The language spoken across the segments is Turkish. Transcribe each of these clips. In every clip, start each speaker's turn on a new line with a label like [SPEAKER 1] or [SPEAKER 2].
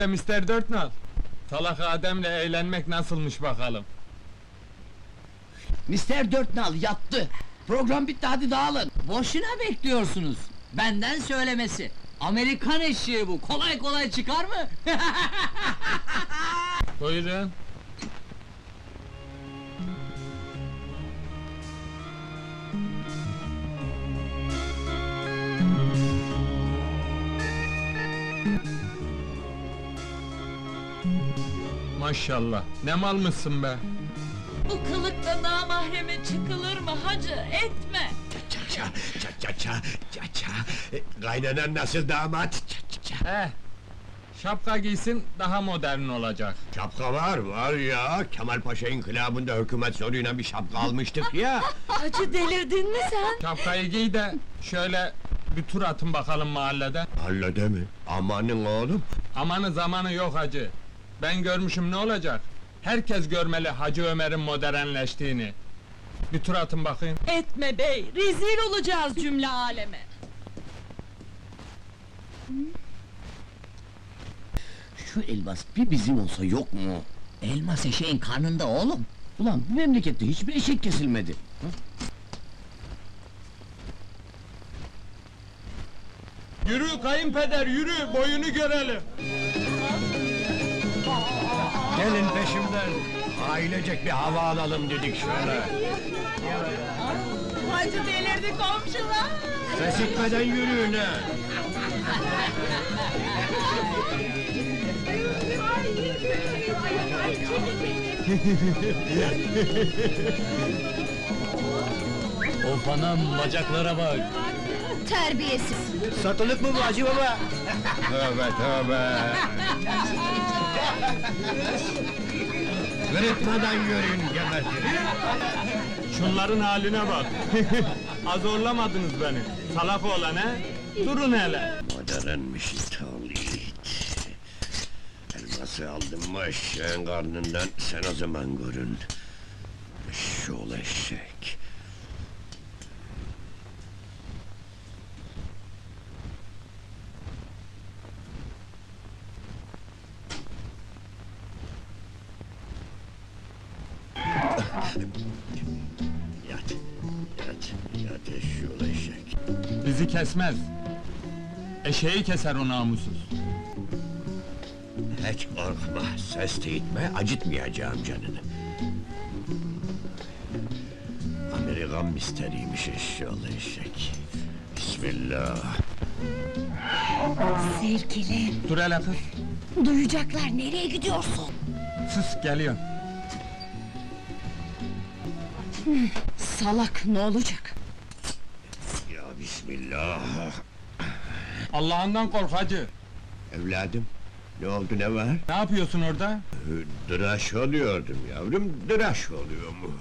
[SPEAKER 1] Mister Dörtnal, salak Adem'le eğlenmek nasılmış bakalım.
[SPEAKER 2] Mister Dörtnal yattı. Program bitti, hadi dağılın.
[SPEAKER 3] Boşuna bekliyorsunuz. Benden söylemesi. Amerikan eşeği bu. Kolay kolay çıkar mı?
[SPEAKER 1] Buyurun. Maşallah, ne malmışsın be!
[SPEAKER 4] Bu kılıkta namahreme çıkılır mı hacı? Etme!
[SPEAKER 5] Ça. Kaynanan nasıl damat?
[SPEAKER 1] Şapka giysin, daha modern olacak.
[SPEAKER 5] Şapka var ya. Kemal Paşa inkılabında hükümet zoruyla bir şapka almıştık ya.
[SPEAKER 4] Hacı delirdin mi sen?
[SPEAKER 1] Şapkayı giy de, şöyle bir tur atın bakalım mahallede.
[SPEAKER 5] Hallede mi? Amanın oğlum.
[SPEAKER 1] Amanı zamanı yok hacı. Ben görmüşüm, ne olacak? Herkes görmeli Hacı Ömer'in modernleştiğini. Bir tur atın bakayım.
[SPEAKER 4] Etme bey, rezil olacağız cümle aleme!
[SPEAKER 2] Şu elmas bir bizim olsa yok mu?
[SPEAKER 3] Elmas eşeğin karnında oğlum.
[SPEAKER 2] Ulan bu memlekette hiçbir eşek kesilmedi.
[SPEAKER 1] Yürü kayınpeder, yürü, boyunu görelim!
[SPEAKER 5] Gelin peşimden. Ailecek bir hava alalım dedik şöyle.
[SPEAKER 4] Hacı delirdi komşular!
[SPEAKER 5] Ses etmeden yürüyün ha.
[SPEAKER 3] Of anam, bacaklara bak.
[SPEAKER 4] Terbiyesiz!
[SPEAKER 5] Satılık mı bu Hacı Baba? Tövbe. Kırıtmadan yürüyün gebertirim.
[SPEAKER 1] Şunların haline bak! Azorlamadınız beni, salak oğlan he? Durun hele!
[SPEAKER 5] Modernmiş it. Elması aldım mı eşeğin karnından, sen o zaman görün. Eşşoğlu eşek. Yat eşşoğlu eşek.
[SPEAKER 1] Bizi kesmez! Eşeği keser o namussuz!
[SPEAKER 5] Hiç korkma, ses etme, acıtmayacağım canını. Amerikan misteriymiş eşşoğlu eşek. Bismillah.
[SPEAKER 4] Sevgilim,
[SPEAKER 1] Dur hele kız!
[SPEAKER 4] duyacaklar, nereye gidiyorsun?
[SPEAKER 1] Sus, geliyorum!
[SPEAKER 4] Salak, ne olacak?
[SPEAKER 5] Ya Bismillah.
[SPEAKER 1] Allah'ından kork hacı!
[SPEAKER 5] Evladım, ne oldu, ne var?
[SPEAKER 1] Ne yapıyorsun orada?
[SPEAKER 5] Dıraş oluyordum yavrum, dıraş oluyorum.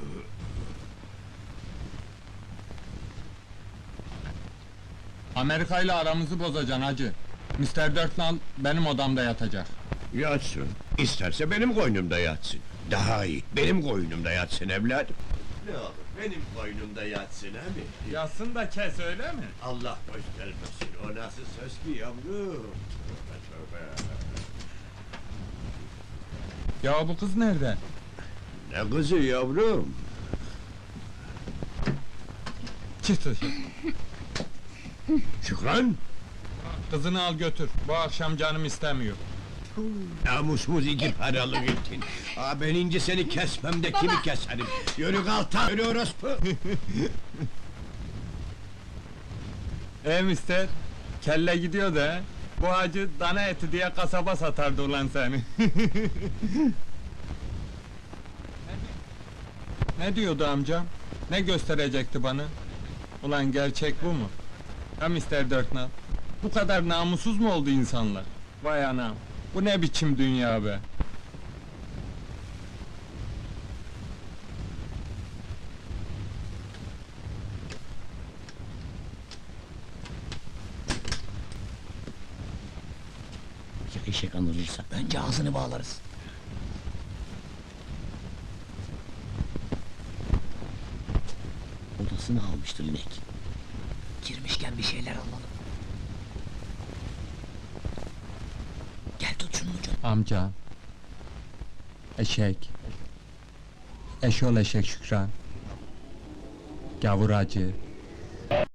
[SPEAKER 1] Amerika ile aramızı bozacaksın hacı! Mister Dörtnal benim odamda yatacak.
[SPEAKER 5] Yatsın, isterse benim koynumda yatsın. Daha iyi, benim koynumda yatsın evladım. Ne olur, benim koynumda yatsın he mi?
[SPEAKER 1] Yatsın da kes, öyle mi?
[SPEAKER 5] Allah göstermesin, o nasıl söz ki yavrum? Tövbe.
[SPEAKER 1] Ya bu kız nerede?
[SPEAKER 5] Ne kızı yavrum?
[SPEAKER 1] Çık dışarı!
[SPEAKER 5] Şükran!
[SPEAKER 1] Kızını al götür, bu akşam canım istemiyor.
[SPEAKER 5] Namusumuz iki paralık ettin. Ben ince seni kesmem de kimi keserim? Yürü kalta, yürü orospu!
[SPEAKER 1] Mister, kelle gidiyor da he? Bu hacı dana eti diye kasaba satardı ulan seni. Ne diyordu amcam? Ne gösterecekti bana? Ulan gerçek bu mu? Ha Mister Dörtnal? Bu kadar namussuz mu oldu insanlar? Vay anam! Bu ne biçim dünya be?
[SPEAKER 2] Ya eşek anırırsa önce ağzını bağlarız. Odasını almıştır inek.
[SPEAKER 3] Girmişken bir şeyler alalım. Gel tut şunun ucunu.
[SPEAKER 1] Amca. Eşek. Eşol eşek Şükran. Gavur acı.